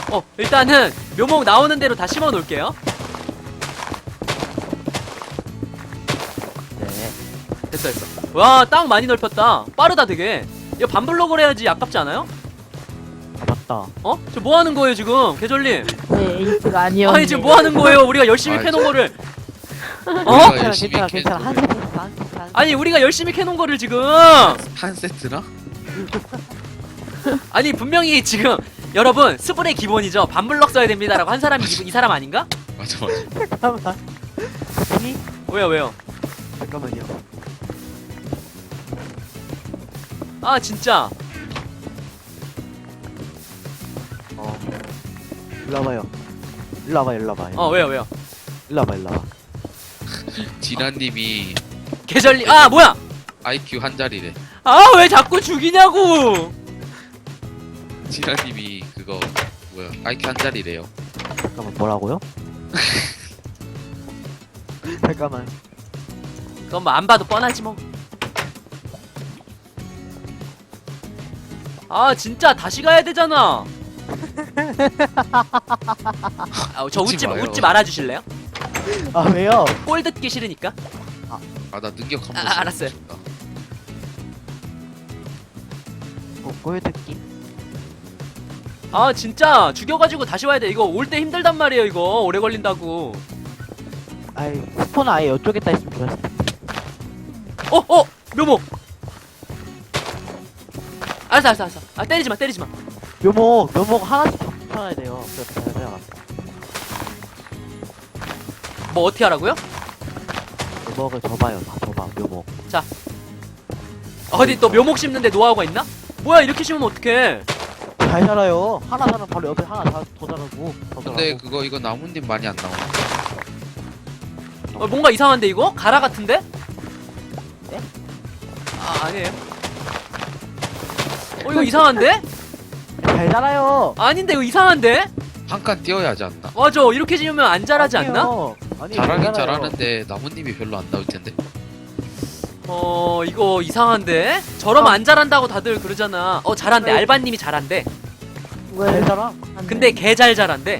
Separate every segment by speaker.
Speaker 1: 일단은 묘목 나오는 대로 다 심어 놓을게요.
Speaker 2: 네.
Speaker 1: 됐어. 와, 땅 많이 넓혔다. 빠르다 되게. 이거 반블럭을 해야지 아깝지 않아요?
Speaker 2: 아, 맞다.
Speaker 1: 저 뭐 하는 거예요 지금, 계절님?
Speaker 3: 네, 에이스가 아니었네.
Speaker 1: 아니 지금 뭐 하는 거예요? 우리가 열심히 캐놓은 거를.
Speaker 4: 우리가 열심히
Speaker 2: 괜찮아.
Speaker 4: 캐-
Speaker 2: 한 세트 있어, 한 세트, 한 세트.
Speaker 1: 아니 우리가 열심히 캐놓은 거를 지금.
Speaker 4: 한 세트나?
Speaker 1: 아니 분명히 지금 여러분 스분의 기본이죠. 반블럭 써야 됩니다라고 한 사람이 이 사람 아닌가?
Speaker 4: 맞아.
Speaker 2: 잠깐만. 이
Speaker 1: 왜요?
Speaker 2: 잠깐만요.
Speaker 1: 아 진짜.
Speaker 2: 일로 와봐요. 일로 와봐.
Speaker 1: 왜요?
Speaker 2: 일로 와봐.
Speaker 4: 진아님이
Speaker 1: 계절님. 아 뭐야?
Speaker 4: IQ 한 자리래.
Speaker 1: 아 왜 자꾸 죽이냐고.
Speaker 4: 진아님이 그거 뭐야? IQ 한 자리래요.
Speaker 2: 잠깐만, 뭐라고요? 잠깐만.
Speaker 1: 그건 뭐 안 봐도 뻔하지 뭐. 아 진짜 다시 가야 되잖아. 저
Speaker 4: 웃지 마요.
Speaker 1: 웃지 말아 주실래요?
Speaker 2: 아, 왜요?
Speaker 1: 꼴 듣기 싫으니까.
Speaker 4: 아 나 능력 한번.
Speaker 1: 아, 알았어요.
Speaker 2: 꼬여듣기?
Speaker 1: 아 진짜 죽여가지고 다시 와야 돼. 이거 올 때 힘들단 말이에요. 이거 오래 걸린다고.
Speaker 2: 아이, 스폰 아예 이쪽에다 있으면 좋았을 텐데.
Speaker 1: 묘목. 알았어. 아 때리지 마.
Speaker 2: 묘목 하나씩 더 붙여놔야 돼요. 그래야
Speaker 1: 뭐 어떻게 하라고요?
Speaker 2: 묘목을 줘봐요. 다 줘봐, 묘목.
Speaker 1: 어디 또 묘목 심는데 노하우가 있나? 뭐야 이렇게 심으면 어떡해?
Speaker 2: 잘 자라요. 하나 자라면 바로 옆에 하나 더 자라고. 더
Speaker 4: 근데
Speaker 2: 자라고.
Speaker 4: 그거 이거 나뭇잎 많이 안 나오네.
Speaker 1: 뭔가 이상한데 이거? 가라 같은데?
Speaker 2: 네?
Speaker 1: 아니에요. 이거 이상한데?
Speaker 2: 잘 자라요.
Speaker 1: 아닌데 이거 이상한데?
Speaker 4: 한 칸 띄어야 하지 않나?
Speaker 1: 맞아 이렇게 지으면 안 자라지 않나?
Speaker 2: 아니,
Speaker 4: 잘하긴
Speaker 2: 잘 자라요.
Speaker 4: 잘하는데 나뭇잎이 별로 안 나올 텐데.
Speaker 1: 이거 이상한데? 저러면 안 자란다고 다들 그러잖아. 잘한대.
Speaker 3: 왜?
Speaker 1: 알바님이 잘한대.
Speaker 3: 왜?
Speaker 2: 잘 자라.
Speaker 1: 근데 개 잘 자란대.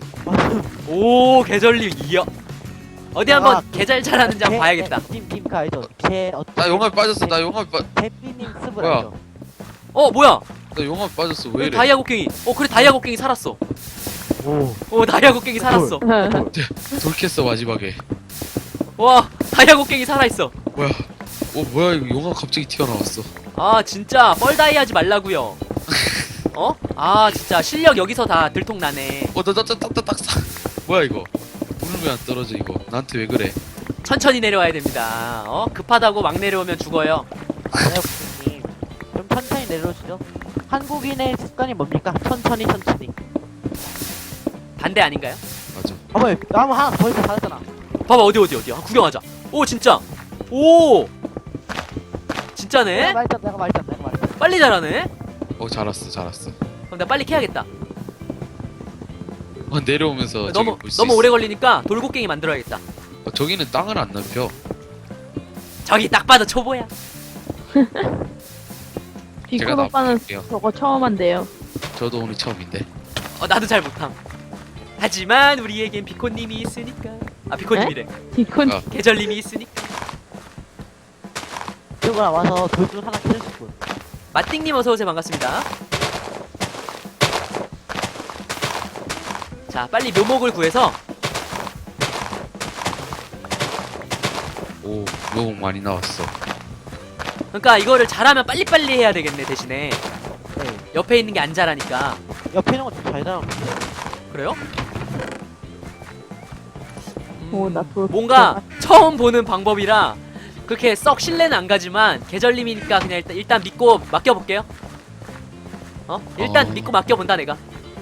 Speaker 1: 오 계절님 이어. 어디 한번 개 잘 자라는지 한번 봐야겠다.
Speaker 2: 팀그 알죠? 개
Speaker 4: 나 용암에 빠졌어. 나 용암에 빠.
Speaker 2: 대피님 스브
Speaker 4: 뭐야?
Speaker 2: 알죠?
Speaker 1: 뭐야?
Speaker 4: 나 용암에 빠졌어. 왜 이래?
Speaker 1: 다이아 곡괭이. 그래 다이아 곡괭이 살았어.
Speaker 2: 오.
Speaker 1: 다이아 곡괭이 살았어.
Speaker 4: 돌켰어 마지막에.
Speaker 1: 와 다이아 곡괭이 살아있어.
Speaker 4: 뭐야? 뭐야 이거 용암 갑자기 튀어나왔어.
Speaker 1: 아 진짜 뻘다이 하지 말라고요. 아 진짜 실력 여기서 다 들통나네.
Speaker 4: 나딱딱딱 사. 뭐야 이거? 물은 왜 안 떨어져 이거? 나한테 왜 그래?
Speaker 1: 천천히 내려와야 됩니다. 급하다고 막 내려오면 죽어요.
Speaker 2: 아니요, 님. 좀 천천히 내려오시죠. 한국인의 습관이 뭡니까? 천천히.
Speaker 1: 반대 아닌가요?
Speaker 4: 맞아.
Speaker 2: 봐봐요. 나무 하나 더 있어 잘했잖아.
Speaker 1: 봐봐 어디 구경하자. 오 진짜. 오 진짜네.
Speaker 2: 내가 말했잖아.
Speaker 1: 빨리 자라네.
Speaker 4: 잘았어.
Speaker 1: 그럼 내가 빨리 캐야겠다.
Speaker 4: 내려오면서
Speaker 1: 너무
Speaker 4: 볼수
Speaker 1: 너무
Speaker 4: 있어.
Speaker 1: 오래 걸리니까 돌곡괭이 만들어야겠다.
Speaker 4: 저기는 땅을 안 넓혀.
Speaker 1: 저기 딱 봐도 초보야.
Speaker 3: 비콘
Speaker 4: 제가
Speaker 3: 오빠는
Speaker 4: 나볼게요.
Speaker 3: 저거 처음 한대요.
Speaker 4: 저도 오늘 처음인데.
Speaker 1: 나도 잘 못함. 하지만 우리에겐 비콘님이 있으니까. 비콘님이래.
Speaker 3: 비콘
Speaker 4: 아.
Speaker 1: 계절님이 있으니까.
Speaker 2: 이쪽으로 와서 돌줄 하나 캐줄 분.
Speaker 1: 마띵님 어서 오세요. 반갑습니다. 자, 빨리 묘목을 구해서
Speaker 4: 오 묘목 많이 나왔어.
Speaker 1: 그러니까 이거를 잘하면 빨리빨리 해야 되겠네. 대신에
Speaker 2: 네.
Speaker 1: 옆에 있는 게 안 자라니까.
Speaker 2: 옆에 있는 거좀잘 자라는데.
Speaker 1: 그래요?
Speaker 3: 오나 돌.
Speaker 1: 뭔가 처음 보는 방법이라 그렇게 썩 신뢰는 안 가지만 계절님이니까 그냥 일단 믿고 맡겨볼게요. 일단 믿고 맡겨본다 내가.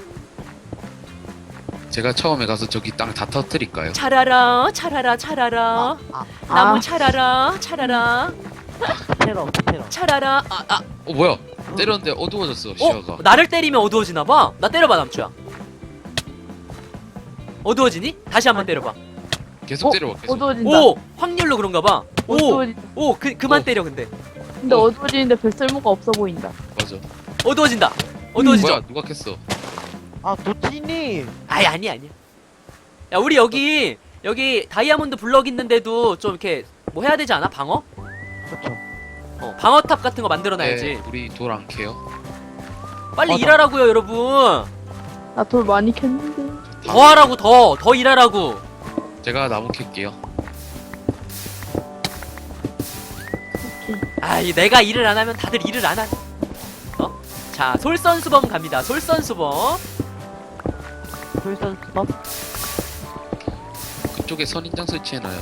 Speaker 4: 제가 처음에 가서 저기 땅 다 터뜨릴까요?
Speaker 1: 차라라 나무
Speaker 3: 아.
Speaker 1: 차라라
Speaker 2: 테러.
Speaker 1: 차라라.
Speaker 4: 뭐야? 때렸는데 어두워졌어 시야가.
Speaker 1: 나를 때리면 어두워지나봐. 나 때려봐 남주야. 어두워지니? 다시 한번 때려봐.
Speaker 4: 계속 때려봐. 계속.
Speaker 3: 어두워진다.
Speaker 1: 오! 확률로 그런가봐.
Speaker 3: 어두워진.
Speaker 1: 그만 때려 근데.
Speaker 3: 근데 어두워지는데 별 쓸모가 없어 보인다.
Speaker 4: 맞아.
Speaker 1: 어두워진다.
Speaker 4: 뭐야?
Speaker 1: 어두워지죠?
Speaker 4: 누가 캤어?
Speaker 2: 아 도티님.
Speaker 1: 아니야. 야, 우리 여기 다이아몬드 블럭 있는데도 좀 이렇게 뭐 해야 되지 않아? 방어?
Speaker 2: 그렇죠.
Speaker 1: 방어탑 같은 거 만들어놔야지.
Speaker 4: 네, 우리 돌 안 캐요.
Speaker 1: 빨리
Speaker 2: 맞아.
Speaker 1: 일하라고요, 여러분.
Speaker 3: 나 돌 많이 캤는데.
Speaker 1: 더 하라고, 더 일하라고.
Speaker 4: 제가 나무 캘게요.
Speaker 1: 아이, 내가 일을 안 하면 다들 일을 안 하네. 자, 솔선수범 갑니다. 솔선수범.
Speaker 2: 솔선수범.
Speaker 4: 그쪽에 선인장 설치해놔요.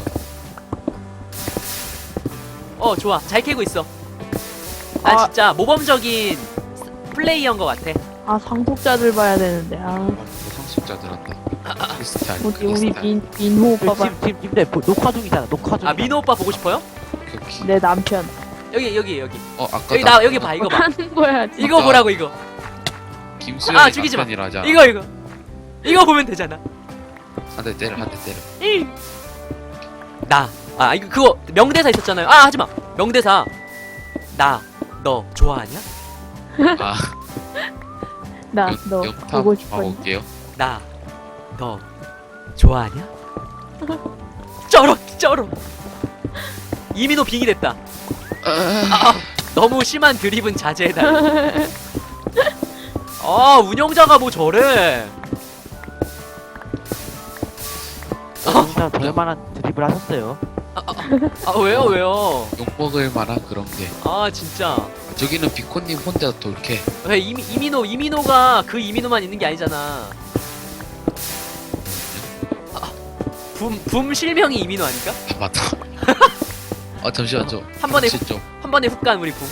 Speaker 1: 좋아. 잘 캐고 있어. 나
Speaker 3: 아.
Speaker 1: 진짜 모범적인 플레이어인 것 같아.
Speaker 3: 아, 상속자들 봐야 되는데. 아,
Speaker 4: 상속자들 한다. 크리스탈.
Speaker 3: 우리
Speaker 4: 크리스탈.
Speaker 3: 민호 오빠 봐.
Speaker 2: 지금 님들 녹화 중이잖아. 녹화 중.
Speaker 1: 아, 민호 오빠 보고 싶어요?
Speaker 4: 오케이.
Speaker 3: 내 남편.
Speaker 1: 여기.
Speaker 4: 아까
Speaker 1: 여기 봐, 이거 봐.
Speaker 3: 하는 거야. 진짜.
Speaker 1: 이거 보라고, 이거.
Speaker 4: 김수현이
Speaker 1: 죽이지 마.
Speaker 4: 남편이라자.
Speaker 1: 이거 보면 되잖아.
Speaker 4: 한 대 때려.
Speaker 1: 이거 그거 명대사 있었잖아요. 아, 하지마. 명대사. 너 좋아하냐?
Speaker 4: 아,
Speaker 3: 나 너
Speaker 4: 영탑
Speaker 3: 보고 싶어.
Speaker 4: 봐볼게요.
Speaker 1: 너 좋아하냐? 쩔어. 이민호 빙이 됐다. 너무 심한 드립은 자제해달라. 운영자가 뭐 저래.
Speaker 2: 진짜 저럴만한 드립을 하셨어요.
Speaker 1: 왜요?
Speaker 4: 욕먹을 만한 그런 게.
Speaker 1: 진짜.
Speaker 4: 저기는 비코님 혼자 돌캐.
Speaker 1: 왜 이민호가 그 이민호만 있는 게 아니잖아. 붐 실명이 이민호 아닐까?
Speaker 4: 아, 맞다. 잠시만 좀.
Speaker 1: 한 번에
Speaker 4: 같이 좀.
Speaker 1: 한 번에 훅 간 우리 붐.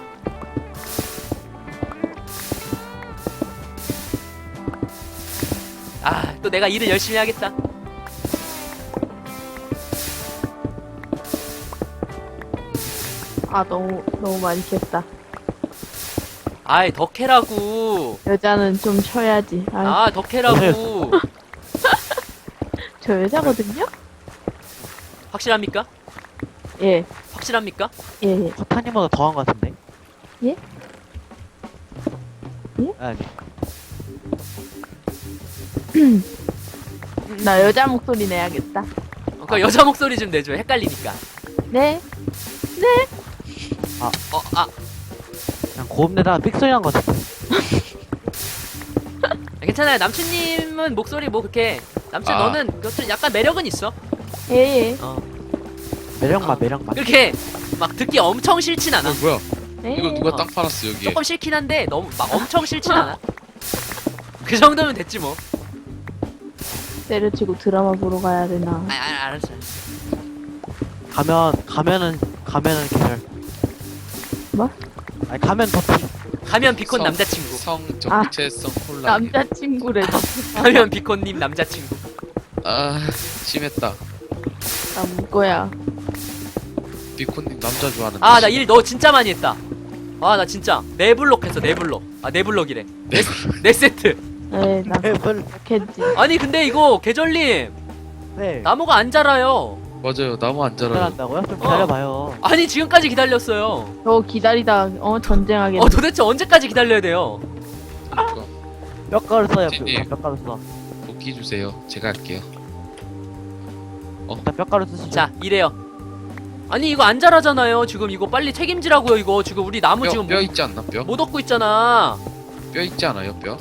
Speaker 1: 또 내가 일을 열심히 하겠다.
Speaker 3: 아, 너무 많이 캤다.
Speaker 1: 더 캐라고.
Speaker 3: 여자는 좀 쉬어야지. 아,
Speaker 1: 더 캐라고.
Speaker 3: 저 여자거든요?
Speaker 1: 확실합니까?
Speaker 3: 예,
Speaker 1: 확실합니까?
Speaker 3: 예.
Speaker 2: 커타님보다 더한 것 같은데.
Speaker 3: 예? 예?
Speaker 2: 아니.
Speaker 3: 나 여자 목소리 내야겠다.
Speaker 1: 그 여자 목소리 좀 내줘. 헷갈리니까.
Speaker 3: 네?
Speaker 2: 그냥 고음내다가 삑소리 난 것 같은데.
Speaker 1: 괜찮아요. 남친님은 목소리 뭐 그렇게 남친 너는 그것도 약간 매력은 있어.
Speaker 3: 예.
Speaker 2: 매력만.
Speaker 1: 그렇게 막 듣기 엄청 싫진 않아.
Speaker 4: 뭐야?
Speaker 3: 예.
Speaker 4: 이거 누가 땅 팔았어 여기에?
Speaker 1: 조금 싫긴 한데 너무 막 엄청 싫진 않아. 그 정도면 됐지 뭐.
Speaker 3: 때려치고 드라마 보러 가야 되나?
Speaker 1: 알았어.
Speaker 2: 가면은 계절.
Speaker 3: 뭐?
Speaker 2: 아니 가면 도티.
Speaker 1: 가면 비콘 남자친구.
Speaker 4: 성 정체성 혼란.
Speaker 3: 남자친구래.
Speaker 1: 가면 비콘님 남자친구.
Speaker 4: 심했다.
Speaker 3: 나 문거야.
Speaker 4: 비코님 남자 좋아하는.
Speaker 1: 나 일 너 진짜 많이 했다. 나 진짜 네 블록 했어. 네 블록이래. 네 세트.
Speaker 3: 네, 나
Speaker 2: 별.
Speaker 3: 캤지.
Speaker 1: 아니 근데 이거 계절님
Speaker 2: 네.
Speaker 1: 나무가 안 자라요.
Speaker 4: 맞아요. 나무 안 자라요.
Speaker 2: 기다란다고요? 좀 기다려봐요.
Speaker 1: 아니 지금까지 기다렸어요.
Speaker 3: 저 기다리다 전쟁하겠네.
Speaker 1: 도대체 언제까지 기다려야 돼요?
Speaker 4: 그러니까.
Speaker 2: 뼈가루 써요.
Speaker 4: 진님.
Speaker 2: 뼈가루 써.
Speaker 4: 도끼 주세요. 제가 할게요.
Speaker 2: 일단 뼈가루 쓰시죠.
Speaker 1: 자 이래요. 아니 이거 안 자라잖아요. 지금 이거 빨리 책임지라고요. 이거 지금 우리 나무 지금
Speaker 4: 뼈 있지 않나? 뼈?
Speaker 1: 못 얻고 있잖아.
Speaker 4: 뼈 있지 않아요? 뼈?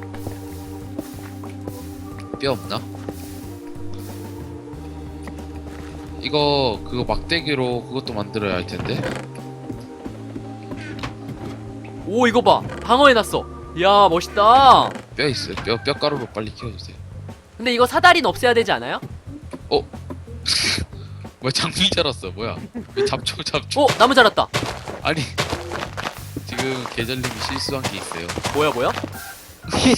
Speaker 4: 뼈 없나? 그거 막대기로 그것도 만들어야 할 텐데.
Speaker 1: 오 이거 봐. 방어해놨어. 이야 멋있다.
Speaker 4: 뼈 있어요. 뼈가루로 빨리 키워주세요.
Speaker 1: 근데 이거 사다리는 없애야 되지 않아요?
Speaker 4: 뭐야 장미 자랐어. 뭐야? 왜 잡초.
Speaker 1: 나무 자랐다.
Speaker 4: 아니 지금 계절님이 실수한 게 있어요.
Speaker 1: 뭐야?
Speaker 4: 오케이.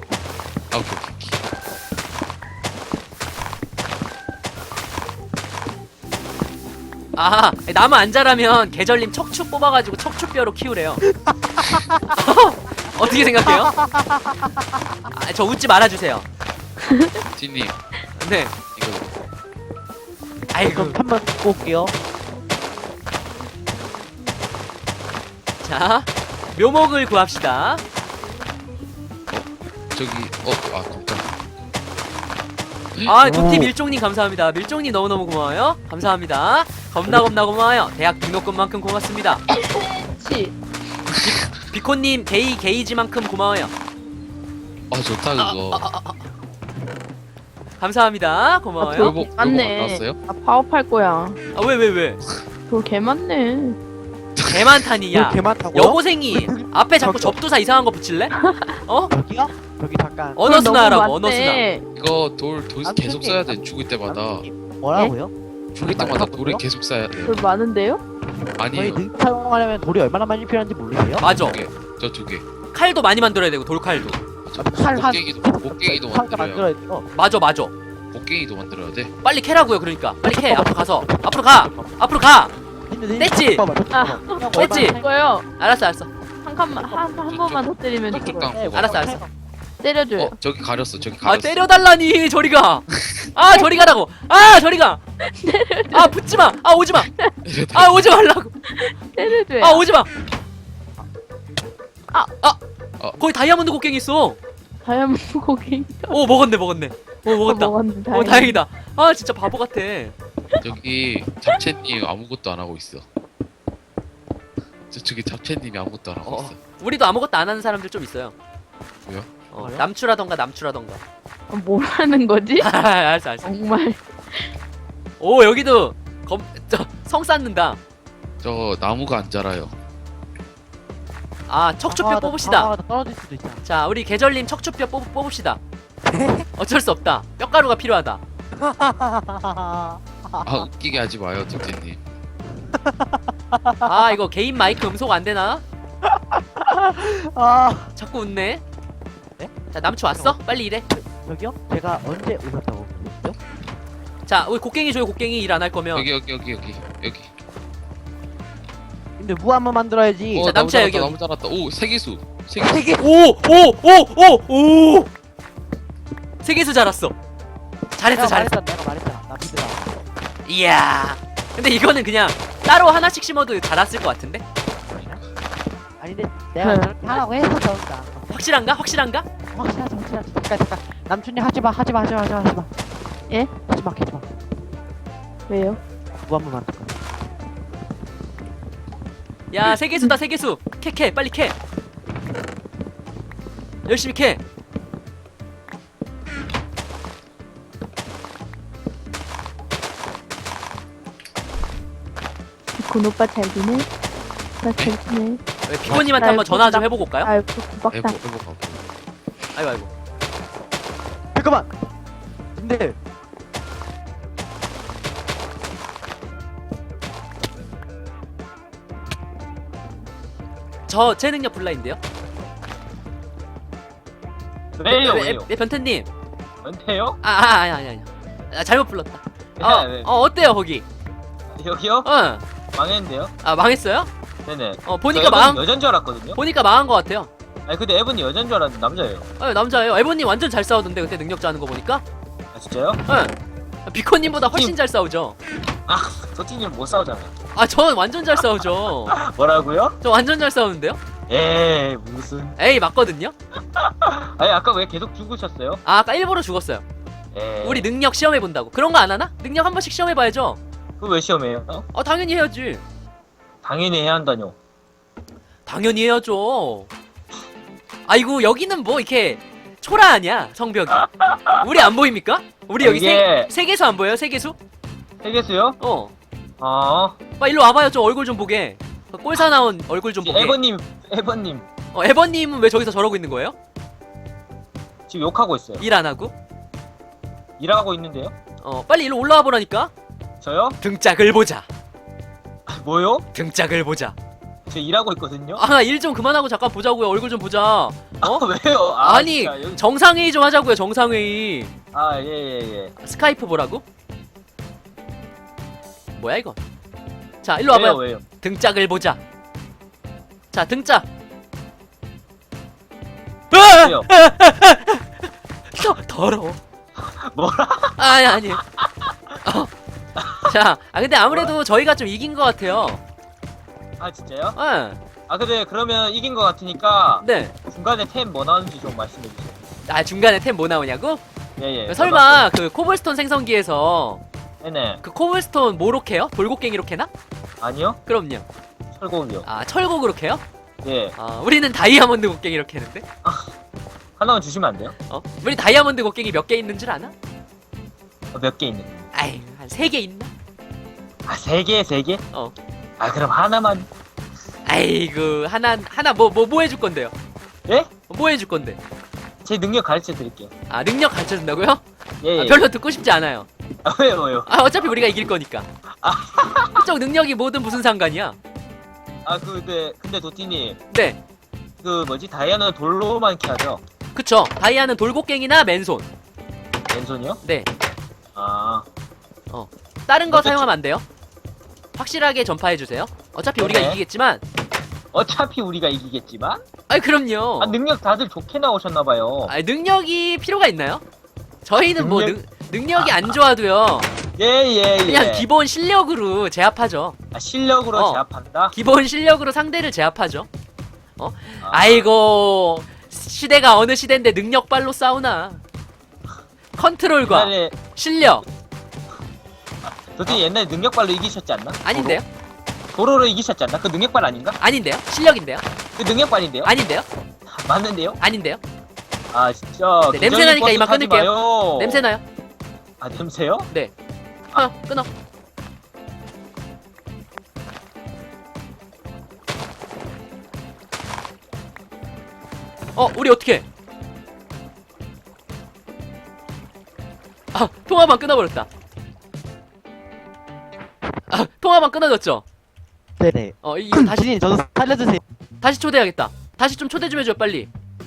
Speaker 1: 나무 안 자라면 계절님 척추 뽑아가지고 척추뼈로 키우래요. 어떻게 생각해요? 저 웃지 말아주세요.
Speaker 4: 티님
Speaker 1: 네.
Speaker 4: 이거
Speaker 1: 아이고.
Speaker 2: 그럼 한번 듣고 올게요.
Speaker 1: 자 묘목을 구합시다.
Speaker 4: 저기 깜짝.
Speaker 1: 아, 두팀 밀종님 감사합니다. 밀종님 너무너무 고마워요. 감사합니다. 겁나 고마워요. 대학 등록금만큼 고맙습니다.
Speaker 3: 치.
Speaker 1: 비코님 게이지만큼 고마워요.
Speaker 4: 좋다 그거.
Speaker 1: 감사합니다. 고마워요.
Speaker 3: 아, 맞네.
Speaker 4: 나왔어요?
Speaker 3: 아, 파업할 거야.
Speaker 1: 아, 왜?
Speaker 3: 돌 개 많네.
Speaker 1: 개 많다니야.
Speaker 2: 개 많다고요?
Speaker 1: 여고생이 앞에 자꾸 접두사 이상한 거 붙일래? 어?
Speaker 2: 저기요? 저기 잠깐.
Speaker 1: 언어스나
Speaker 3: 돌 너무
Speaker 1: 하라고, 언어스나.
Speaker 3: 많네.
Speaker 4: 이거 돌
Speaker 2: 아,
Speaker 4: 계속
Speaker 2: 선생님.
Speaker 4: 써야 돼. 죽을 때마다.
Speaker 2: 뭐라고요?
Speaker 4: 죽을 때마다 돌을 계속 써야 돼.
Speaker 3: 돌 많은데요?
Speaker 2: 저희
Speaker 4: 아니에요.
Speaker 2: 능 사용하려면 돌이 얼마나 많이 필요한지 모르세요?
Speaker 1: 맞아.
Speaker 4: 저 두 개.
Speaker 1: 칼도 많이 만들어야 되고, 돌칼도.
Speaker 2: 칼 한-
Speaker 4: 곡괭이도
Speaker 2: 칼
Speaker 4: 만들어요.
Speaker 2: 만들어야 돼요.
Speaker 1: 맞아.
Speaker 4: 곡괭이도 만들어야 돼.
Speaker 1: 빨리 캐라고요, 그러니까. 빨리 캐. 앞으로 가서. 앞으로 가. 뗐지? 뗐지?
Speaker 3: 이거요.
Speaker 1: 알았어.
Speaker 3: 한 칸만 한 번만 더 때리면
Speaker 4: 저쪽
Speaker 3: 죽어요.
Speaker 4: 깡.
Speaker 1: 알았어.
Speaker 3: 때려줘요.
Speaker 4: 저기 가렸어. 저기
Speaker 1: 아,
Speaker 4: 가렸어.
Speaker 1: 때려달라니, 저리 가. 아, 저리 가라고. 아, 저리 가. 아, 붙지 마. 아, 오지 마. 아, 오지 말라고.
Speaker 3: 때려줘요.
Speaker 1: 아, 오지 마.
Speaker 3: 아.
Speaker 1: 거기 다이아몬드 곡괭이 있어.
Speaker 3: 다이아몬드 고기.
Speaker 1: 오, 먹었네. 먹었다.
Speaker 3: 먹었는데.
Speaker 1: 오, 다행이다. 아, 진짜 바보 같아.
Speaker 4: 저기 잡채님 아무것도 안 하고 있어. 저기 잡채님이 아무것도 안 하고
Speaker 1: 어.
Speaker 4: 있어.
Speaker 1: 우리도 아무것도 안 하는 사람들 좀 있어요.
Speaker 4: 뭐요?
Speaker 2: 뭐요?
Speaker 1: 남추라던가.
Speaker 3: 뭐라는 거지?
Speaker 1: 알았어.
Speaker 3: 정말.
Speaker 1: 오, 여기도 성 쌓는다.
Speaker 4: 저 나무가 안 자라요.
Speaker 1: 아, 척추뼈 뽑읍시다.
Speaker 2: 떨어질 수도 있잖아.
Speaker 1: 자, 우리 계절님 척추뼈 뽑읍시다. 어쩔 수 없다. 뼈가루가 필요하다.
Speaker 4: 웃기게 하지 마요, 잡채님.
Speaker 1: 아, 이거 개인 마이크 음소거 안 되나?
Speaker 2: 아,
Speaker 1: 자꾸 웃네.
Speaker 2: 네?
Speaker 1: 자, 남추 왔어? 빨리 일해.
Speaker 2: 저기요? 제가 언제 오셨다고 그랬죠?
Speaker 1: 자, 우리 곡괭이 줘요. 곡괭이 일 안 할 거면.
Speaker 4: 여기.
Speaker 2: 근데 무 한번 만들어야지.
Speaker 1: 자,
Speaker 4: 나무
Speaker 1: 남자야,
Speaker 4: 자랐다,
Speaker 1: 여기.
Speaker 4: 나무 자랐다. 오, 세계수.
Speaker 2: 세계.
Speaker 1: 오! 세계수 자랐어. 잘했어.
Speaker 2: 내가 말했잖아. 나 믿으라.
Speaker 1: 이야. 근데 이거는 그냥 따로 하나씩 심어도 자랐을 것 같은데?
Speaker 2: 아니 근데 내가 저렇게 하라고 해서 저런다.
Speaker 1: 확실한가?
Speaker 2: 확실하지. 잠깐. 남춘이 하지마.
Speaker 3: 예?
Speaker 2: 하지마.
Speaker 3: 왜요?
Speaker 2: 무 한번 만들 거야.
Speaker 1: 야, 세계수다, 세계수. 캐. 빨리 캐. 열심히 캐.
Speaker 3: 비콘 오빠 잘 지내? 나 잘 지내.
Speaker 1: 피고님한테 한번 전화 좀 해보고 올까요?
Speaker 3: 아유, 구박당.
Speaker 4: 해보고.
Speaker 1: 아이고.
Speaker 2: 잠깐만. 근데
Speaker 1: 제 능력 블라인데요?
Speaker 5: 왜요?
Speaker 1: 네, 변태님.
Speaker 5: 은퇴요?
Speaker 1: 아니. 잘못 불렀다.
Speaker 5: 네.
Speaker 1: 어때요, 거기?
Speaker 5: 여기요? 망했는데요?
Speaker 1: 아, 망했어요?
Speaker 5: 네네.
Speaker 1: 보니까 망한,
Speaker 5: 여잔 줄 알았거든요?
Speaker 1: 보니까 망한 것 같아요.
Speaker 5: 아니 근데 에번이 여잔 줄 알았는데 남자예요.
Speaker 1: 남자예요. 에버님 완전 잘 싸우던데, 그때 능력자 하는 거 보니까?
Speaker 5: 아 진짜요?
Speaker 1: 비코님보다 훨씬 잘 싸우죠.
Speaker 5: 소티님 못 싸우잖아요.
Speaker 1: 전 완전 잘 싸우죠.
Speaker 5: 뭐라고요?
Speaker 1: 저 완전 잘 싸우는데요?
Speaker 5: 에이 무슨.
Speaker 1: 에이, 맞거든요?
Speaker 5: 아니 아까 왜 계속 죽으셨어요?
Speaker 1: 아까 일부러 죽었어요.
Speaker 5: 에이.
Speaker 1: 우리 능력 시험해본다고. 그런 거 안 하나? 능력 한 번씩 시험해봐야죠.
Speaker 5: 그거 왜 시험해요?
Speaker 1: 당연히 해야지.
Speaker 5: 당연히 해야 한다뇨.
Speaker 1: 당연히 해야죠. 아이고, 여기는 뭐 이렇게 초라하냐, 성벽이. 우리 안 보입니까? 우리 여기
Speaker 5: 이게-
Speaker 1: 세계수 안 보여요? 세계수?
Speaker 5: 세계수요? 아
Speaker 1: 빨리 일로 와봐요. 좀 얼굴 좀 보게. 꼴사 나온 얼굴 좀 보게.
Speaker 5: 에번님
Speaker 1: 에버님은 왜 저기서 저러고 있는 거예요?
Speaker 5: 지금 욕하고 있어요.
Speaker 1: 일 안 하고?
Speaker 5: 일하고 있는데요?
Speaker 1: 빨리 일로 올라와 보라니까.
Speaker 5: 저요?
Speaker 1: 등짝을 보자.
Speaker 5: 뭐요?
Speaker 1: 등짝을 보자.
Speaker 5: 저 일하고 있거든요?
Speaker 1: 일 좀 그만하고 잠깐 보자고요. 얼굴 좀 보자.
Speaker 5: 왜요?
Speaker 1: 아니,
Speaker 5: 진짜 여기-
Speaker 1: 정상회의 좀 하자고요. 정상회의.
Speaker 5: 예.
Speaker 1: 스카이프 보라고? 뭐야 이거? 자, 일로 와봐요.
Speaker 5: 왜요?
Speaker 1: 등짝을 보자. 자, 등짝.
Speaker 5: 왜요?
Speaker 1: 더러워.
Speaker 5: 뭐라?
Speaker 1: 아니. 자, 근데 아무래도 저희가 좀 이긴 것 같아요.
Speaker 5: 아 진짜요?
Speaker 1: 예.
Speaker 5: 근데 그러면 이긴 것 같으니까
Speaker 1: 네.
Speaker 5: 중간에 템 뭐 나오는지 좀 말씀해 주세요.
Speaker 1: 아 중간에 템 뭐 나오냐고?
Speaker 5: 예예.
Speaker 1: 설마 그 코블스톤 생성기에서
Speaker 5: 네네.
Speaker 1: 그 코블스톤 뭐로 캐요? 돌곡갱이로 캐나?
Speaker 5: 아니요.
Speaker 1: 그럼요.
Speaker 5: 철곡이요.
Speaker 1: 아 철곡으로 캐요?
Speaker 5: 예.
Speaker 1: 아 우리는 다이아몬드 곡갱이로 캐는데?
Speaker 5: 하나만 주시면 안 돼요?
Speaker 1: 우리 다이아몬드 곡갱이 몇 개 있는 줄 아나?
Speaker 5: 몇 개 있는?
Speaker 1: 아이 한 3개 있나?
Speaker 5: 아 3개, 3개?
Speaker 1: 어.
Speaker 5: 아 그럼 하나만.
Speaker 1: 아이고 하나 뭐 해줄 건데요?
Speaker 5: 예?
Speaker 1: 뭐 해줄 건데?
Speaker 5: 제 능력 가르쳐 드릴게요.
Speaker 1: 아 능력 가르쳐준다고요?
Speaker 5: 예.
Speaker 1: 아, 별로 듣고 싶지 않아요.
Speaker 5: 아, 왜요?
Speaker 1: 아 어차피 우리가 이길 거니까. 그쪽 능력이 뭐든 무슨 상관이야?
Speaker 5: 아 근데 도티님
Speaker 1: 네,
Speaker 5: 그 뭐지 다이아는 돌로만 캐야죠?
Speaker 1: 그쵸. 다이아는 돌곡갱이나 맨손.
Speaker 5: 왼손이요?
Speaker 1: 네,
Speaker 5: 아
Speaker 1: 다른 거
Speaker 5: 어차피-
Speaker 1: 사용하면 안 돼요. 확실하게 전파해 주세요. 어차피 우리가
Speaker 5: 네.
Speaker 1: 이기겠지만.
Speaker 5: 어차피 우리가 이기겠지만.
Speaker 1: 아이 그럼요.
Speaker 5: 아 능력 다들 좋게 나오셨나봐요.
Speaker 1: 아 능력이 필요가 있나요? 저희는 뭐
Speaker 5: 능력-
Speaker 1: 능력이 안 좋아도요.
Speaker 5: 예예 예.
Speaker 1: 그냥 기본 실력으로 제압하죠.
Speaker 5: 아, 실력으로
Speaker 1: 어.
Speaker 5: 제압한다.
Speaker 1: 기본 실력으로 상대를 제압하죠.
Speaker 5: 아,
Speaker 1: 아이고 시대가 어느 시대인데 능력발로 싸우나. 컨트롤과
Speaker 5: 옛날에
Speaker 1: 실력
Speaker 5: 도티님 옛날에 능력발로 이기셨지 않나?
Speaker 1: 아닌데요?
Speaker 5: 도로로 이기셨지 않나? 그 능력발 아닌가?
Speaker 1: 아닌데요? 실력인데요?
Speaker 5: 그 능력발인데요?
Speaker 1: 아닌데요?
Speaker 5: 맞는데요?
Speaker 1: 아닌데요?
Speaker 5: 아 진짜.
Speaker 1: 네, 냄새 나니까 이만
Speaker 5: 뻔뻔하지
Speaker 1: 끊을게요.
Speaker 5: 마요.
Speaker 1: 냄새 나요?
Speaker 5: 아 냄새요?
Speaker 1: 네. 끊어. 우리 어떻게? 아, 통화만 끊어버렸다. 아, 통화만 끊어졌죠?
Speaker 2: 네네.
Speaker 1: 이거 다시,
Speaker 2: 주님 저도 살려주세요.
Speaker 1: 다시 초대해야겠다. 다시 좀 초대 좀 해줘, 빨리.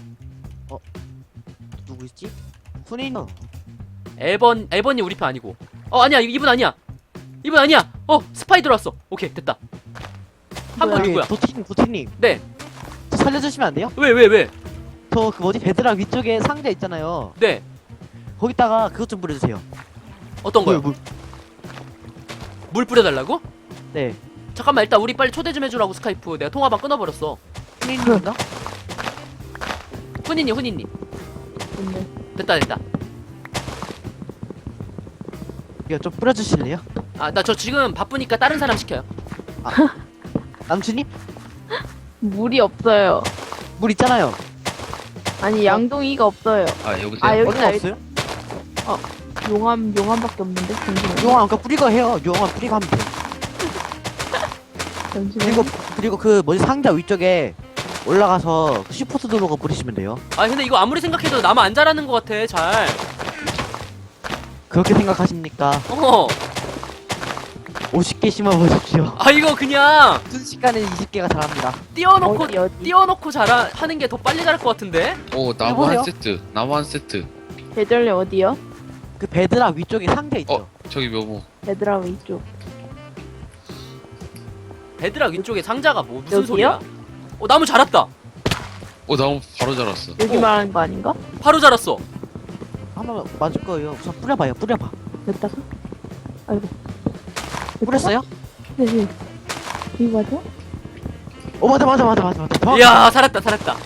Speaker 2: 누구 있지? 훈이는
Speaker 1: 에번이 우리 편 아니고. 아니야, 이분 아니야. 이분 아니야. 스파이 들어왔어. 오케이, 됐다. 한 분 누구야?
Speaker 2: 도티님.
Speaker 1: 네.
Speaker 2: 저 살려주시면 안 돼요?
Speaker 1: 왜?
Speaker 2: 저 그 뭐지 베드락 위쪽에 상자 있잖아요.
Speaker 1: 네.
Speaker 2: 거기다가 그것 좀 뿌려주세요.
Speaker 1: 어떤 거요?
Speaker 2: 물.
Speaker 1: 물 뿌려달라고?
Speaker 2: 네.
Speaker 1: 잠깐만, 일단 우리 빨리 초대 좀 해주라고, 스카이프. 내가 통화방 끊어버렸어.
Speaker 2: 훈이님인가?
Speaker 1: 훈이님.
Speaker 3: 근데
Speaker 1: 됐다.
Speaker 2: 이거 좀 뿌려주실래요?
Speaker 1: 아, 나 저 지금 바쁘니까 다른 사람 시켜요.
Speaker 2: 남친님?
Speaker 3: 물이 없어요.
Speaker 2: 물 있잖아요.
Speaker 3: 아니 양동이가 없어요.
Speaker 4: 아 여보세요?
Speaker 3: 아 여기
Speaker 2: 어디가 없어요?
Speaker 3: 용암밖에 없는데 잠시만요.
Speaker 2: 용암 아까 뿌리고 해요. 용암 뿌리고 하면 돼.
Speaker 3: 잠시만요.
Speaker 2: 그리고 그 뭐지 상자 위쪽에 올라가서 슈퍼스 들어가 뿌리시면 돼요.
Speaker 1: 아, 근데 이거 아무리 생각해도 나만 안 잘하는 것 같아, 잘.
Speaker 2: 그렇게 생각하십니까? 50개 심어보십시오.
Speaker 1: 아, 이거 그냥
Speaker 2: 순식간에 20개가 자랍니다.
Speaker 1: 띄워놓고,
Speaker 3: 어디?
Speaker 1: 띄워놓고 하는 게 더 빨리 자랄 것 같은데?
Speaker 4: 오 나무
Speaker 2: 여보세요?
Speaker 4: 한 세트. 나무 한 세트.
Speaker 3: 계절래 어디요?
Speaker 2: 그 베드락 위쪽에 상자 있죠.
Speaker 4: 저기 묘목.
Speaker 3: 얘들아 위쪽.
Speaker 1: 베드락 위쪽에 상자가 무슨
Speaker 3: 여기요?
Speaker 1: 소리야? 나무 자랐다.
Speaker 4: 나무 바로 자랐어.
Speaker 3: 여기
Speaker 1: 어.
Speaker 3: 말하는 거 아닌가?
Speaker 1: 바로 자랐어.
Speaker 2: 한번 맞을 거예요. 우선 뿌려봐요. 뿌려봐.
Speaker 3: 여기다가? 아이고.
Speaker 2: 뿌렸어요?
Speaker 3: 네. 이거 맞아?
Speaker 2: 맞아. 정확히
Speaker 1: 이야, 살았다.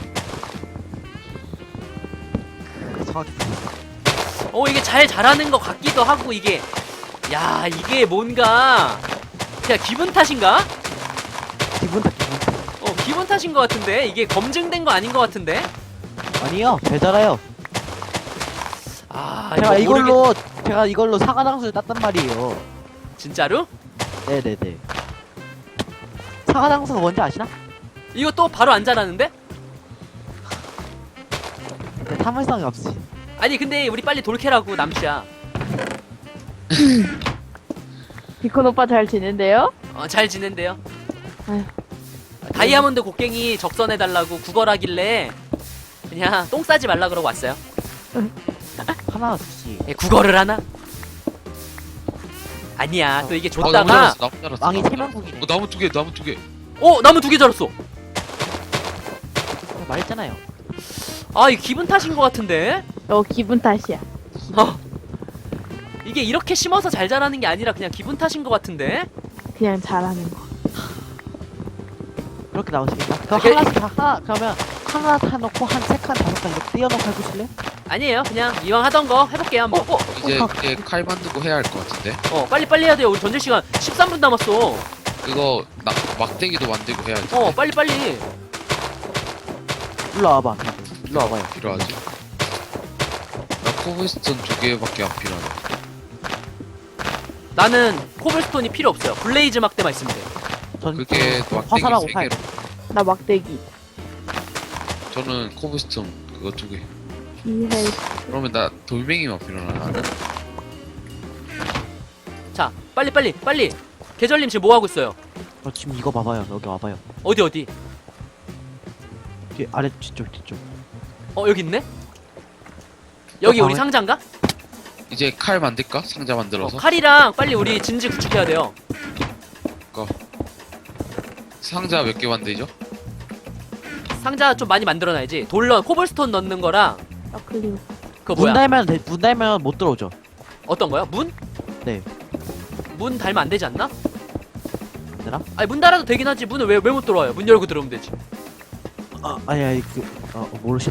Speaker 2: 정확히.
Speaker 1: 이게 잘 자라는 것 같기도 하고, 이게. 야, 이게 뭔가. 그냥 기분 탓인가?
Speaker 2: 기분 탓.
Speaker 1: 기분 탓인 것 같은데? 이게 검증된 거 아닌 것 같은데?
Speaker 2: 아니요. 배달아요.
Speaker 1: 아,
Speaker 2: 제가
Speaker 1: 이거
Speaker 2: 제가 이걸로 사과당수를 땄단 말이에요.
Speaker 1: 진짜로?
Speaker 2: 네네네. 사과당수가 뭔지 아시나?
Speaker 1: 이거 또 바로 안 자라는데?
Speaker 2: 네, 탐험성이 없으시.
Speaker 1: 아니, 근데 우리 빨리 돌캐라고, 남씨야.
Speaker 3: 비콘 오빠 잘 지낸대요?
Speaker 1: 잘 지낸대요.
Speaker 3: 아휴.
Speaker 1: 다이아몬드 곡괭이 적선해달라고 구걸하길래 그냥 똥 싸지 말라 그러고 왔어요.
Speaker 2: 하나 주시.
Speaker 1: 구걸을 하나? 아니야, 또 이게
Speaker 4: 나무
Speaker 1: 줬다가
Speaker 4: 자랐어. 나무 자랐어.
Speaker 2: 왕이
Speaker 4: 나무
Speaker 2: 세명국이네.
Speaker 4: 자랐어. 나무 두 개. 나무 두 개.
Speaker 1: 나무 2개 자랐어.
Speaker 2: 말했잖아요.
Speaker 1: 아, 이 기분 탓인 것 같은데?
Speaker 3: 기분 탓이야.
Speaker 1: 이게 이렇게 심어서 잘 자라는 게 아니라 그냥 기분 탓인 것 같은데?
Speaker 3: 그냥 잘하는 거.
Speaker 2: 그렇게 나오시겠다. 그럼
Speaker 1: 오케이.
Speaker 2: 그러면 하나 사놓고 한 3칸 5칸 이렇게 띄워놓고 해보실래요?
Speaker 1: 아니에요. 그냥 이왕 하던 거 해볼게요 한번.
Speaker 4: 이제 칼 만들고 해야 할 것 같은데.
Speaker 1: 빨리 해야 돼요. 우리 전쟁 시간 13분 남았어.
Speaker 4: 그거 막대기도 만들고 해야지.
Speaker 1: 빨리.
Speaker 2: 일로 와봐. 일로 와봐요.
Speaker 4: 필요하지? 나 코블스톤 2개밖에 안 필요하네.
Speaker 1: 나는 코블스톤이 필요 없어요. 블레이즈 막대만 있으면 돼.
Speaker 2: 전
Speaker 4: 그게 막대기
Speaker 2: 화살하고
Speaker 4: 3개로.
Speaker 3: 나 막대기.
Speaker 4: 저는 코블스톤 그거 2개.
Speaker 3: 비헬.
Speaker 4: 그러면 나 돌멩이만 필요하나 나는?
Speaker 1: 자, 빨리. 계절님 지금 뭐 하고 있어요?
Speaker 2: 지금 이거 봐봐요. 여기 와봐요.
Speaker 1: 어디?
Speaker 2: 뒤 아래 뒤쪽.
Speaker 1: 여기 있네? 여기 우리
Speaker 2: 방에-
Speaker 1: 상자인가?
Speaker 4: 이제 칼 만들까? 상자 만들어서?
Speaker 1: 칼이랑 빨리 우리 진지 구축해야 돼요.
Speaker 4: 상자 몇 개 만들죠?
Speaker 1: 상자 좀 많이 만들어놔야지. 코블스톤 넣는 거랑
Speaker 3: 너클리오.
Speaker 1: 그거
Speaker 2: 문
Speaker 1: 뭐야?
Speaker 2: 달면 못 들어오죠.
Speaker 1: 어떤 거요? 문?
Speaker 2: 네.
Speaker 1: 문 달면 안 되지 않나?
Speaker 2: 되나?
Speaker 1: 아니 문 달아도 되긴 하지. 문을 왜 못 들어와요? 문 열고 들어오면 되지.
Speaker 2: 아니 모르시나?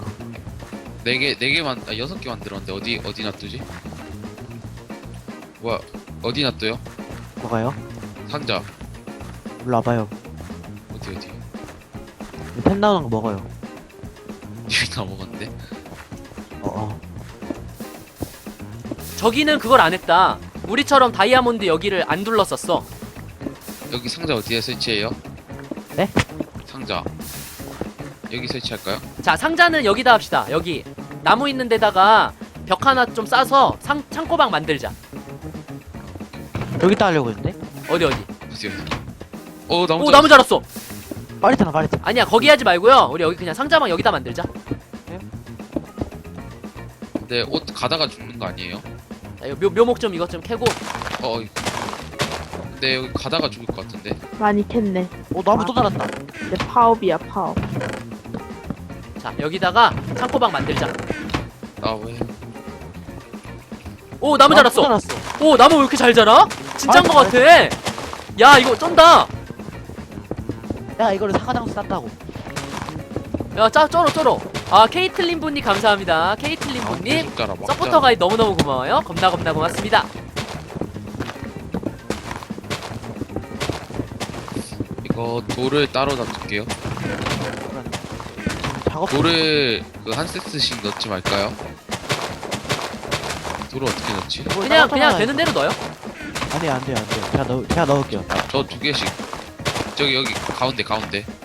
Speaker 4: 4개만, 6개 만들었는데 어디 놔두지? 뭐야, 어디 놔둬요?
Speaker 2: 뭐가요?
Speaker 4: 상자.
Speaker 2: 일로 와봐요.
Speaker 4: 어디?
Speaker 2: 펜 나오는 거 먹어요.
Speaker 4: 여기 다 먹었는데?
Speaker 1: 저기는 그걸 안 했다. 우리처럼 다이아몬드 여기를 안 둘렀었어.
Speaker 4: 여기 상자 어디에 설치해요?
Speaker 2: 네?
Speaker 4: 상자. 여기 설치할까요?
Speaker 1: 자, 상자는 여기다 합시다. 여기 나무 있는 데다가 벽 하나 좀 싸서 창고방 만들자.
Speaker 2: 여기다 하려고 했는데?
Speaker 1: 어디?
Speaker 4: 어디? 나무
Speaker 1: 오, 나무 자랐어.
Speaker 2: 빨리 타나.
Speaker 1: 아니야, 거기 하지 말고요. 우리 여기 그냥 상자방 여기다 만들자.
Speaker 4: 근데 옷 가다가 죽는 거 아니에요?
Speaker 1: 자, 이거 묘목 좀 이것 좀 캐고.
Speaker 4: 근데 여기 가다가 죽을 것 같은데?
Speaker 3: 많이 캤네.
Speaker 2: 나무 또 달았다.
Speaker 3: 내 파업이야, 파업.
Speaker 1: 자, 여기다가 창고방 만들자.
Speaker 4: 나 왜?
Speaker 1: 오, 나무
Speaker 2: 또
Speaker 1: 자랐어.
Speaker 2: 달았어.
Speaker 1: 오, 나무 왜 이렇게 잘 자라? 진짜인 것
Speaker 2: 맞아.
Speaker 1: 같아. 야, 이거 쩐다.
Speaker 2: 야, 이거를 사과장수 쌌다고.
Speaker 1: 야, 쩔어. 아, 케이틀린 분님 감사합니다. 케이틀린 분님.
Speaker 4: 계속 자라, 막
Speaker 1: 서포터
Speaker 4: 자라.
Speaker 1: 가입 너무너무 고마워요. 겁나 고맙습니다.
Speaker 4: 이거 돌을 따로 놔둘게요.
Speaker 2: 작업.
Speaker 4: 돌을 한 세트씩 넣지 말까요? 돌을 어떻게 넣지?
Speaker 1: 그냥 되는 대로 넣어요.
Speaker 2: 안 돼요. 제가 넣을게요.
Speaker 4: 저 2개씩. 저기 여기 가운데.